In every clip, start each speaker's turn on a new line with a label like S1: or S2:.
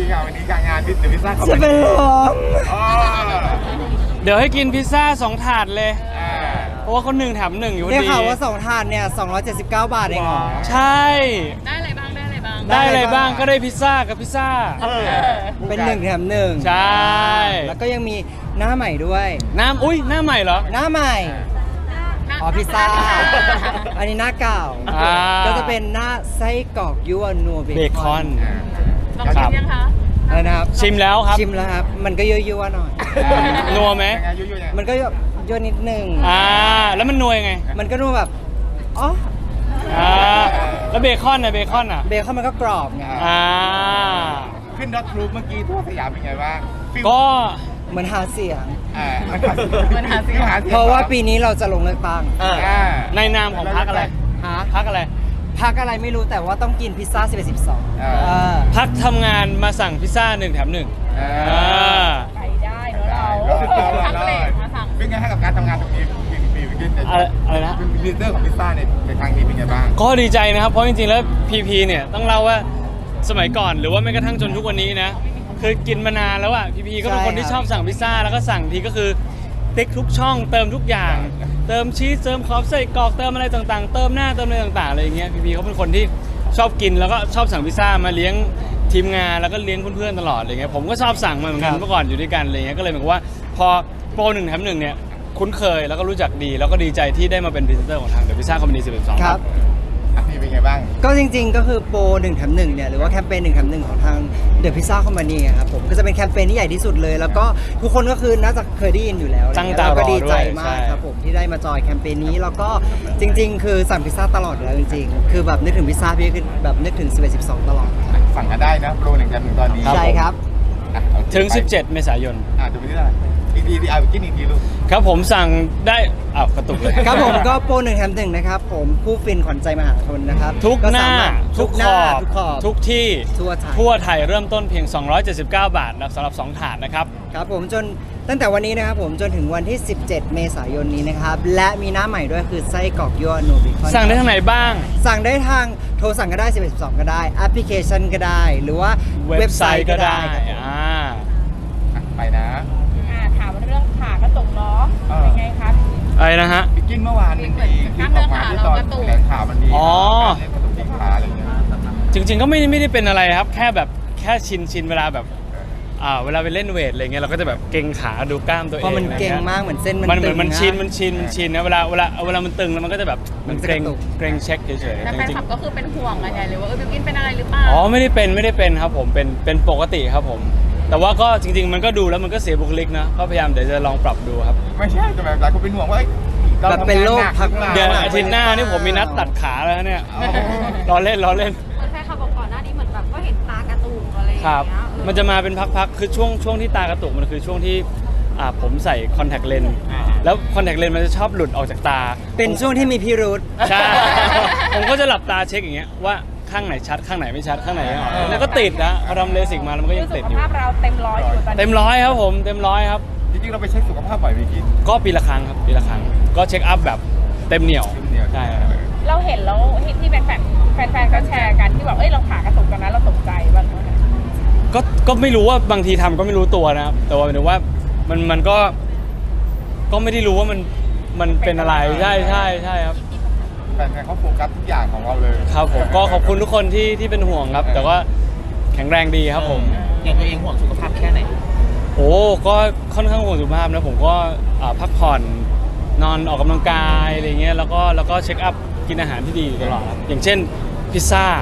S1: ค่ะวันนี้การงานพิซซ่าเขา
S2: จะเป็นลม
S3: เดี๋ยวให้กินพิซซ่า2 ถาดเลย เพราะว่าเขา1 แถม 1อยู่พอ
S2: ได้
S3: ดี
S1: Dạ.
S2: ข่าวว่า2 ถาดเนี่ย279 บาทเองเหรอ
S3: ใช่
S4: ได้อะไรบ้างได้อะไรบ้าง
S3: ได้อะไรบ้างก็ได้พิซซ่ากับพิซซ่า
S2: เป็น1 แถม 1
S3: ใช่
S2: แล้วก็ยังมีหน้าใหม่ด้วย
S3: อุ้ยหน้าใหม่เหรอ
S2: หน้าใหม่ อ๋อพิซซ่า อันนี้หน้าเก่า
S3: อ่า
S2: ก็จะเป็นหน้าไส้กรอกยั่วนัวเบ
S3: เบค
S2: ค
S3: อ
S2: อน
S4: ลองชิมยังคะ
S2: อะไรนะครับ
S3: ชิมแล้วครับ
S2: ชิมแล้วครับ มันก็ยั่วๆหน่อย
S3: นัวไหม
S1: ยุ่ยๆ
S2: มันก็ยั่วนิดนึง
S3: แล้วมันนัวยังไง
S2: มันก็นัวแบบ อ๋อ
S3: แล้วเบคอนน่ะเบคอนอ่ะ
S2: เบคอนมันก็กรอบไง
S1: ขึ้นรถทรูปเมื่อกี้ทั่วสยามเป็นไงบ้าง
S3: ก็
S2: เหมือนหาเสียง
S1: มันหาเสียง
S2: เพราะว่าปีนี้เราจะลงเลือกตั้ง
S3: ในนามของพรรคอะไร
S2: ฮะ
S3: พรรคอะไร
S2: พักอะไรไม่รู้แต่ว่าต้องกินพิซซ่า11 12
S3: พรรคทำงานมาสั่งพิซซ่า1 แถม 1
S4: ไปได้เนอะเราทั้งเลทมาสั่ง
S1: เป็นไงให้กับการทำงานตรงนี้ปีขึ้น
S3: อะไรนะ
S1: เป็นลีดเดอร์ของพิซซ่าในครั้งนี้เป็นไงบ้าง
S3: ก็ดีใจนะครับ เพราะจริงๆ แล้วพีพีเนี่ยต้องเล่าว่าสมัยก่อนหรือว่าแม้กระทั่งจนทุกวันนี้นะคือกินมานานแล้วอะพีพีก็เป็นคนที่ชอบสั่งพิซซ่าแล้วก็สั่งทีก็คือติ๊กทุกช่องเติมทุกอย่าง เติมชีสเติมขอบไส้กรอกเติมอะไรต่างๆ เติมหน้าเติมอะไรต่างๆอะไรอย่างเงี้ยพีพีเขาเป็นคนที่ชอบกินแล้วก็ชอบสั่งพิซซ่ามาเลี้ยงทีมงานแล้วก็เลี้ยงเพื่อนๆตลอดอะไรเงี้ยผมก็ชอบสั่งมาเหมือนกันเมื่อก่อนอยู่ด้วยกันอะไรเงี้ยก็เลยเหมือนกับว่าพอโปร1 แถม 1เนี่ยคุ้นเคยแล้วก็รู้จักดีแล้วก็ดีใจที่ได้มาเป็นพรีเซนเตอร์ของทางเดอะพิซซ่าคอมพานี12
S2: ครับ
S1: นี่เป็นไงบ้าง
S2: ก็จริงๆ ก็คือโปร1 แถม 1เนี่ยหรือว่าแคมเปญ1 แถม 1 ของทาง The Pizza Company ครับผมก็จะเป็นแคมเปญที่ใหญ่ที่สุดเลย แล้วก็ทุกคนก็คือน่าจะเคยได้ยินอยู่แล้ว
S3: ตั้งตารอ
S2: แล้วก็ดีใจ
S3: ด้วย
S2: มา
S3: ใช่
S2: กครับผมที่ได้มาจอยแคมเปญนี้แล้วก็จริง ๆ คือสั่งพิซซ่าตลอดอยู่แล้วจริงๆ คือแบบนึกถึงพิซซ่าพี่คือแบบนึกถึง11 12 ตลอด
S1: สั่งกันได้นะโปร1 กัน1ตอนนี้
S2: ใช่ครับ
S3: ถึง 17 เมษายน
S1: ดูไปที่ไหนอีกทีเอากินอีกทีลูก
S3: ครับผมสั่งได้กระตุกเลย
S2: ครับผมก็โปร1 แถม 1 นะครับผมผู้ฟินขวัญใจมหาชนนะครับ
S3: ทุกหน้า
S2: สมรถ
S3: ทุก
S2: ห
S3: ข
S2: น้า
S3: อบ
S2: ทุกขอบ
S3: ทุกที่
S2: ทั่วไทย
S3: ไทยเริ่มต้นเพียง 279 บาทนะสำหรับ 2 ถาดนะครับ
S2: ครับผมจนตั้งแต่วันนี้นะครับผมจนถึงวันที่ 17 เมษายนนี้นะครับและมีหน้าใหม่ด้วยคือไส้กรอกยั่วโนบิคอน
S3: สั่งได้ทางไหนบ้าง
S2: สั่งได้ทางโทรสั่งก็ได้11 12 ก็ได้แอปพลิเคชันก็ได้ หรือว่า
S3: เว็บไซต์ก็ได้
S2: ครับผม
S1: ไปนะ
S4: ถามเรื่องขากระตุกเนาะเป็นไงคะ
S3: อะไรนะฮะ
S1: บิกินเมื่อวานมันมีคลิปออกมาที่ตอนแถลงข่าวมันมี
S3: อ๋อ
S1: เล่นกระตุกที่ขาอะไรอย่างเงี้ย
S3: จริงๆก็ไม่ได้เป็นอะไรครับ แค่ชินเวลาแบบเวลาไปเล่นเวทอะไรเงี้ยเราก็จะแบบเกร็งขาดูกล้ามตัวเอง
S2: เพราะมัน
S3: อะไร
S2: เก่ง
S3: งี้ย
S2: มากเหมือนเส้น
S3: มันเหมือน
S2: ตึง
S3: มันชินนะเวลามันตึงแล้วมันก็จะแบบมันเกรง
S2: มันจะกระตุก
S3: เกรงเช็คเฉย
S4: แต่
S3: ๆ
S4: แฟน
S3: จริง
S4: คลับก็คือเป็นห่วงกันใหญ่เลยว่าบิวกินเป็นอะไรหรือเปล่า
S3: ๆอ๋อไม่ได้เป็นครับผมเป็นปกติครับผม แต่ว่าก็จริงๆมันก็ดูแล้วมันก็เสียบุคลิกนะก็พยายามเดี๋ยวจะลองปรับดูครับ
S1: ไม่ใช่แต่แบบหลายคนเป็นห่วงว่าเรา
S2: แบบ
S1: ทำ
S2: เป็น
S1: งาน
S2: โรค
S1: หนัก
S2: พัก
S1: หรือเปล่า
S3: เดี๋ยวอาทิตย์หน้านี่ผมมีนัดตัดขาแล้วเนี่ยล้อเล่น
S4: เหมือนแฟนคลับบอกก่อนหน้านี้เหมือนแบบก็เห็นตากระตุกอะไรอย่าง
S3: ครับ
S4: เงี้ย
S3: มันจะมาเป็นพักๆ คือช่วงที่ตากระตุกมันคือช่วงที่ผมใส่คอนแทคเลนส์แล้วคอนแทคเลนส์มันจะชอบหลุดออกจากตา
S2: เป็นช่วงที่มีพิรุธ
S3: ใช่ ผมก็จะหลับตาเช็คอย่างเงี้ยว่าข้างไหนชัดข้างไหนไม่ชัดข้างไหนไม่ออกแล้วก็ติดนะพอทำเลสิกมาแล้วมันก็
S4: คื
S3: ยั
S4: อง สุ
S3: ติด
S4: ข
S3: อยู่
S4: ภาพเราเต็มร้อยอยู่ตอนนี้
S3: เต็มร้อยครับผมเต็มร้อยครับ
S1: จริงๆเราไปเช็คสุขภาพบ่อยบิกิน
S3: ก็ปีละครั้งครับปีละครั้งก็เช็คอัพแบบเต็มเหนียวใช่ครับ
S4: เราเห็นแล้วที่แฟนก็แชร์กันที่แบบเราขากระตุกกันนะเราตกใจบ้างไหม
S3: ก็ไม่รู้ว่าบางทีทำก็ไม่รู้ตัวนะครับแต่ว่าหมายถึงว่ามันก็ไม่ได้รู้ว่ามันเป็นอะไรใช่ครับ
S1: แฟนๆเขาโฟกัสทุกอย่างของเราเลย
S3: ครับผมก็ขอบคุณทุกคนที่เป็นห่วงครับ แต่ว่าแข็งแรงดีครับผม
S5: อย่างตัวเองห่วงสุขภาพแค่ไหน
S3: โอ้ก็ค่อนข้างห่วงสุขภาพนะผมก็พักผ่อนนอนออกกำลังกายอะไรเงี้ยแล้วก็เช็คอัพกินอาหารที่ดีอยู่ตลอดครับอย่างเช่นพิซซ่า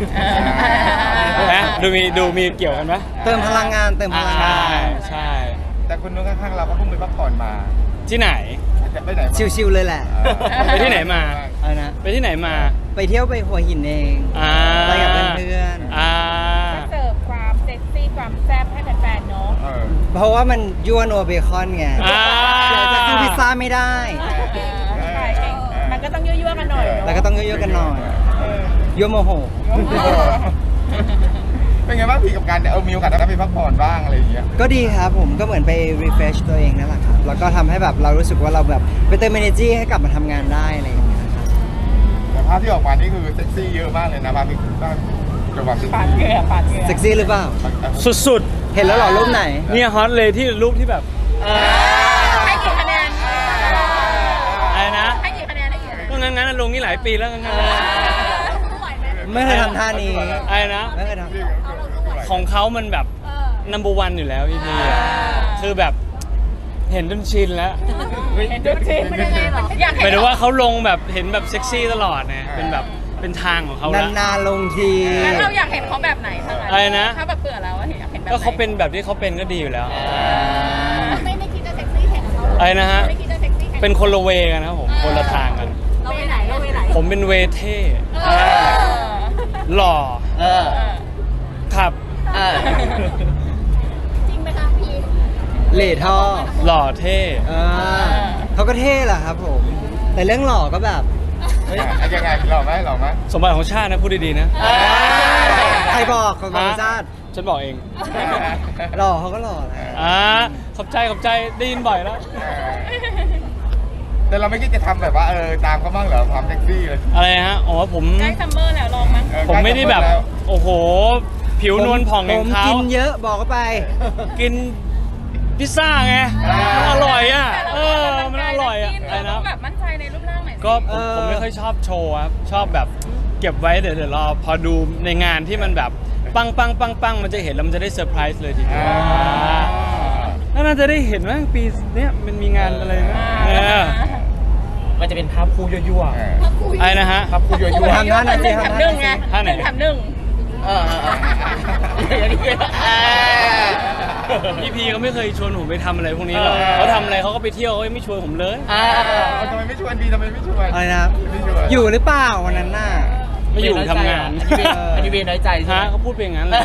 S3: นะดูมีเกี่ยวกันไหม
S2: เติมพลังงานเติมพลังงาน
S3: ใช่
S1: แต่คนนู้นข้างๆเราก็เพิ่งไปพักผ่อนมา
S3: ที่ไหน
S1: จะไปไหนมา
S2: ชิวๆเลยแหละ
S3: ไปที่ไหนมา
S2: อะไรนะ
S3: ไปที่ไหนมา
S2: ไปเที่ยวไปหัวหินเอง ไปกับเพื่อน
S4: ก็เสิร์ฟความเซ็กซี่ความแซ่บให้แฟนๆเนาะ
S2: ๆเพราะว่ามันยั่วโนเบคอนไงเดี๋ยวจะซื้อพิซซ่าไม่ได้
S4: ใช่มันก็ต้องยั่วๆกันหน่อย
S2: แล้วก็ต้องยั่วๆกันหน่อยยั่วโมโห
S1: เป็นไงบ้างพี่กับการมีโอกาสได้ไปพักผ่อนบ้างอะไรอย่างเงี้ย
S2: ก็ดีครับผมก็เหมือนไป refresh ตัวเองนั่นแหละครับ แล้วก็ทำให้แบบเรารู้สึกว่าเราแบบไปเติม energy ให้กลับมาทำงานได้อะไรอย่างเงี้ยครับ
S1: แต่ภาพที่ออกมานี่คือเซ็กซี่เยอะมากเลยนะภาพที่จะความ
S4: ปาดเหงื่อปาดเหงื่อ
S2: เซ็กซี่หรือเปล่า
S3: สุด
S2: เห็นแล้วเหรอรูปไหน
S3: ๆเนี่ยฮอตเลยที่รูปที่แบบ
S4: ให้กี่คะแนน
S3: อะไรนะ
S4: ให้กี่คะแนนให้กี่คะแนน
S3: ก็งั้นๆลงนี่หลายปีแล้วงั้นๆ
S2: ไม่เคยทำท่านี้
S3: อะไรนะ
S2: ไม่เคยทำ
S3: ของเขามันแบบ number one อยู่แล้วพี่คือแบบเห็นจนชินแล้ว
S4: เห็นดูสิมันยังไงหรออยาก
S3: ห
S4: เห็
S3: มาย
S4: น
S3: ถึงว่าเขาลงแบบเห็นแบบเซ็กซี่ตลอดนะเป็นแบบเป็นทางของเขาแล้ว
S2: นานๆลงที
S4: แล้วเราอยากเห็นเขาแบบไหนทาง
S3: อะไรนะ
S4: ถ้าแบบเบื่อแล้วอยากเห็นแบบไหน
S3: ก็เขาเป็นแบบที่เขาเป็นก็ดีอยู่แล้ว
S4: ไม่คิดจะเซ็กซี่เห็นเขา
S3: อะไรนะฮะ
S4: ไม่คิดจะเซ็กซี่
S3: เป็นคนละเวกันนะครับผมคนละทางกัน
S4: เราไปไหนเราไปไหน
S3: ผมเป็นเวเท่หล่อ
S5: เออ
S3: ครับ
S5: เออ
S4: จริงไหมคะพี่
S2: เหล่ท่อ
S3: หล่อเท่
S2: เขาก็เท่แหละครับผม แต่เรื่องหล่อก็แบบ
S1: เฮ้ยยังไงหล่อไหมหล่อไหม
S3: สมบัติของชาตินะพูดดีๆนะ
S2: ใครบอกของบริษัท
S3: ฉันบอกเอง
S2: หล่อเขาก็หล่อแหละ
S3: ขอบใจได้ยินบ่อยแล้ว
S1: แต่เราไม่คิดจะทำแบบว่าตามเขาบ้างเหรอความเซ็กซี่เลย
S3: อะไรฮะอ๋อผม
S4: ใกล้ซัมเมอร์แล้วลองมั้ง
S3: ผมไม่ได้แบบ โอ้โห ผิวนวลผ่องอย่างเขา
S2: ผมกินเยอะบอกเขาไป
S3: กินพิซซ่าไงมันอร่อยอ่ะมันอร่อยอ่ะอะไรนะ
S4: แบบมั่นใจในรูปร่างหน่อย
S3: ก็ผมไม่ค่อยชอบโชว์ครับชอบแบบเก็บไว้เดี๋ยวรอพอดูในงานที่มันแบบปังมันจะเห็นแล้วมันจะได้เซอร์ไพรส์เลยทีเดียวแล้วน่าจะได้เห็นว่าปีเนี้ยมันมีงานอะไรนะ
S5: มันจะเป็นภาพคู่ยั่ว
S3: อะไรนะฮะ
S5: ๆภาพคู่ยั่วๆ
S2: ทำท่านั้นสิ
S4: แถมหนึ่งไง
S3: ท่าไหน
S4: แถมหนึ่ง
S3: พี่พีเขาไม่เคยชวนผมไปทำอะไรพวกนี้หรอกเขาทำอะไรเขาก็ไปเที่ยวเขาไม่ชวนผมเลย
S1: ทำไมไม่ชวนดีทำไมไม่ชวน
S2: อะไรนะครับ
S1: ไม่ชวน
S2: อยู่หรือเปล่าวันนั้นน่ะ
S3: ไม่อยู่ทำงาน
S5: อันนี้เวรน้อยใจใช่ไห
S3: ฮะ
S5: ม
S3: เขาพูดไปอย่างนั้นเลย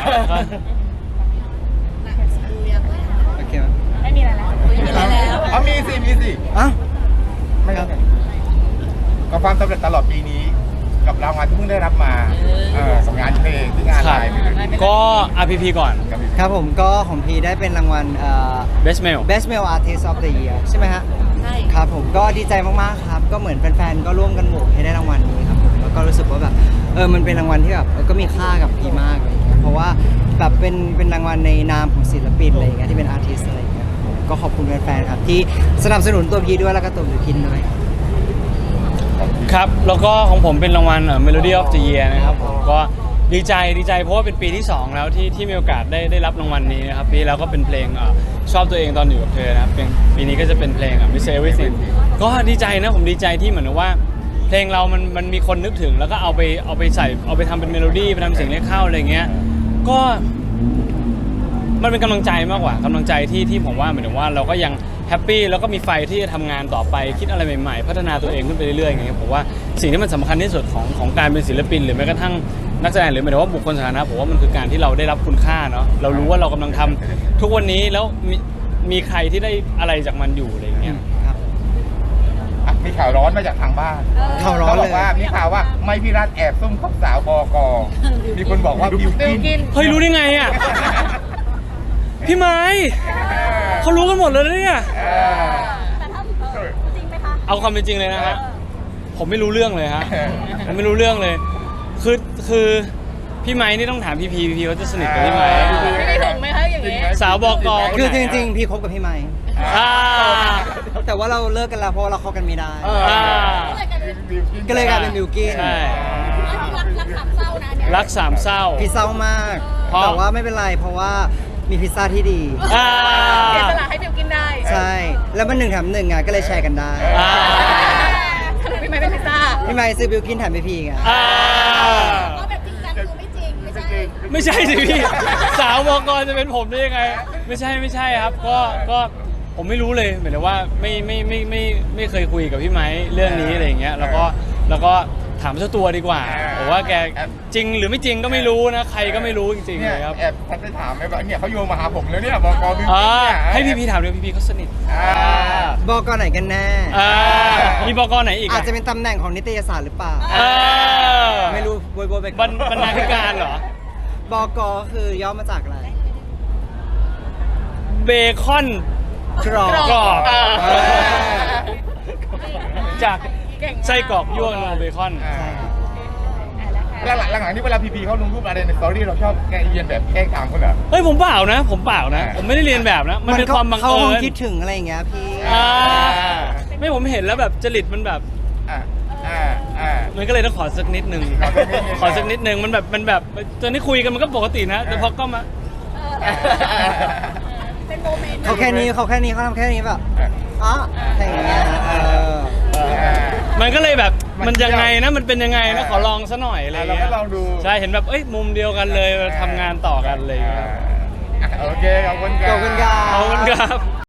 S2: โอเคไหม
S4: ไม่มีอะไรแล้วไม่มีอะไรแล้ว
S1: เอามีสิ
S2: อ้าว
S1: ไม่ครับกับความสำเร็จตลอดปีนี้ กับรางวัลที่เพิ่งได้รับมาสงงานเพลงที่งาน
S3: ค
S1: ไล
S3: รับ
S1: น์
S3: ก็ RPP ก่อน
S2: ครับผมก็ของพีได้เป็นรางวัล
S3: Best Male
S2: Best Male Artist of the Year ใช่ไหมฮะ
S4: ใช่
S2: ครับผมก็ดีใจมากๆครับ ก็เหมือนแฟนๆก็ร่วมกันโหวตให้ได้รางวัลนี้ครับผมแล้วก็รู้สึกว่าแบบมันเป็นรางวัลที่แบบก็มีค่ากับพีมากอะไรอย่างเงี้ยเพราะว่าแบบเป็นรางวัลในนามของศิลปินอะไรอย่างเงี้ยที่เป็นอาร์ติสอะไรอย่างเงี้ยผมก็ขอบคุณแฟนๆครับที่สนับสนุนตัวพีด้วยแล้วก็ตัวบิวกินด้วย
S3: ครับ แล้วก็ของผมเป็นรางวัลMelody of the Year นะครับผมก็ดีใจเพราะว่าเป็นปีที่ 2 แล้วที่มีโอกาสได้รับรางวัลนี้นะครับปีแล้วก็เป็นเพลงชอบตัวเองตอนอยู่กับเธอนะครับปีนี้ก็จะเป็นเพลงMiss Everything ก็ดีใจนะผมดีใจที่เหมือนว่าเพลงเรามันมีคนนึกถึงแล้วก็เอาไปใส่เอาไปทำเป็นเมโลดี้ไปทำเสียงเรียกเข้าอะไรเงี้ยก็มันเป็นกำลังใจมากกว่ากำลังใจที่ผมว่าเหมือนว่าเราก็ยังแฮปปี้แล้วก็มีไฟที่จะทำงานต่อไปคิดอะไรใหม่ๆพัฒนาตัวเองขึ้นไปเรื่อยๆอย่างเงี้ยผมว่าสิ่งที่มันสำคัญที่สุดของการเป็นศิลปินหรือแม้กระทั่งนักแสดงหรือหมายถึงว่าบุคคลสาธารณะผมว่ามันคือการที่เราได้รับคุณค่าเนาะเรารู้ว่าเรากำลังทำทุกวันนี้แล้วมีใครที่ได้อะไรจากมันอยู่อะไรเงี้ย
S2: ครับ
S1: มีข่าวร้อนมาจากทางบ้าน
S2: ข่าวร้อน
S1: เขาบ
S2: เล
S1: อย กว่ามีข่าวว่าไม่พี่รัฐแอบซุ่มคบสาวบกมีคนบอกว่าบิว
S4: บิว
S1: กิ
S4: กิ
S1: น
S4: น
S3: เฮ้ยรู้ได้ไงอ่ะพี่ไม้เขารู้กันหมดเลยนะเนี่ย
S4: แต่ถ้าจริงไหมคะ
S3: เอาความเป็นจริงเลยนะฮะผมไม่รู้เรื่องเลยฮะผมไม่รู้เรื่องเลยคือพี่ไม้นี่ต้องถามพี่พีเขาจะสนิทกับพี่ไม้
S4: ไม่ได้ถึงไหมคะอย่างนี้
S3: สาวบอกอ
S2: คือจริงๆพี่คบกับพี่ไมค์
S3: อ่า
S2: แต่ว่าเราเลิกกันแล้วเพราะว่าเราเข้ากันไม่ได้
S3: อ่า
S2: ก็เลยกลายเป็นบิวกิน
S3: ใช่
S4: รักสามเศร้านะเนี่ย
S3: รักสามเศร้า
S2: พี่เศร้ามาก
S3: เพราะ
S2: แต่ว่าไม่เป็นไรเพราะว่ามีพิซซ่าที่ดี
S3: อ่า
S4: เสียสละให้บิวกินได้
S2: ใช่ แล้วมัน1 แถม 1อ่ะก็เลยแชร์กันได้
S3: อ่า
S4: สรุปพี่ไม่เป็นพิซซ่า
S2: พี่ไมค์ซื้อบิวกินแถมพี่พีไง
S3: อ่า
S4: ก็แบบจริงจังคือไม่จริงไม่ใช่
S3: ไม่ใช่สิพี่สาวบอกจะเป็นผมได้ยังไงไม่ใช่ครับก็ผมไม่รู้เลยหมายถึงว่าไม่เคยคุยกับพี่ไม้เรื่องนี้อะไรอย่างเงี้ยแล้วก็ถามเจ้าตัวดีกว่าผมว่าแกจริงหรือไม่จริงก็ไม่รู้นะใครก็ไม่รู้จริงๆ
S1: เนี่
S3: เลย ยครับ
S1: แอบทักไปถามไหมว่าเนี่ยเขาโยงมาหาผมแล้วเนี่ยบกบิวกิน
S3: อ่า
S1: เนี่ย
S3: ให้พี่ถามด้วยพี่เขาสนิท
S2: บอกไหนกันแน่
S3: มีบกไหนอีก
S2: อาจจะเป็นตำแหน่งของนิตยสารหรือเปล่า ไม่รู้โบยไป
S3: บรรณาธิการเหรอ
S2: บอกคือย่อมาจากอะไร
S3: เบคอน
S2: กรอบ
S3: กรอบ
S2: เออ
S3: จากไส้กรอกยั่วโนเบคอน
S1: แล้วหลังๆนี่เวลาพีเขาลงรูปอะไรในสตอรี่เราชอบแกล้งเรียนแบบแกล้งตามเขาเหรอ
S3: เฮ้ยผมเปล่านะ ผมเปล่านะ ผมไม่ได้เรียนแบบนะ มันเป็นความบัง
S2: เขา
S3: เอิ
S2: คง
S3: ญ
S2: คิดถึงอะไรอย่างเงี้ยพี่
S3: อ่าไม่ผมเห็นแล้วแบบจริตมันแบบ
S1: อ่าอ่าอ่า
S3: มันก็เลยต้องขอสักนิดนึง ขอสักนิดนึงมันแบบตอนนี้คุยกันมันก็ปกตินะ แต่พอก็มา
S4: เป็นโมเมนต์
S2: เขาแค่นี้เขาทำแค่นี้แบบอ๋ออะไรอย่างเงี้ย
S3: มันก็เลยแบบ
S1: มั
S3: มัน
S1: น
S3: ยังไงนะ มันเป็นยังไงนะ ขอลองซะหน่อยอะไร
S1: เรา
S3: เงี้
S1: ก็
S3: ย
S1: ลองดู
S3: ใช่ เห็นแบบ เอ้ย มุมเดียวกันเลยทำงานต่อกันเลยครับ
S1: โอเคขอบคุณครับ
S2: ขอบคุณครับ
S3: ขอบคุณครับ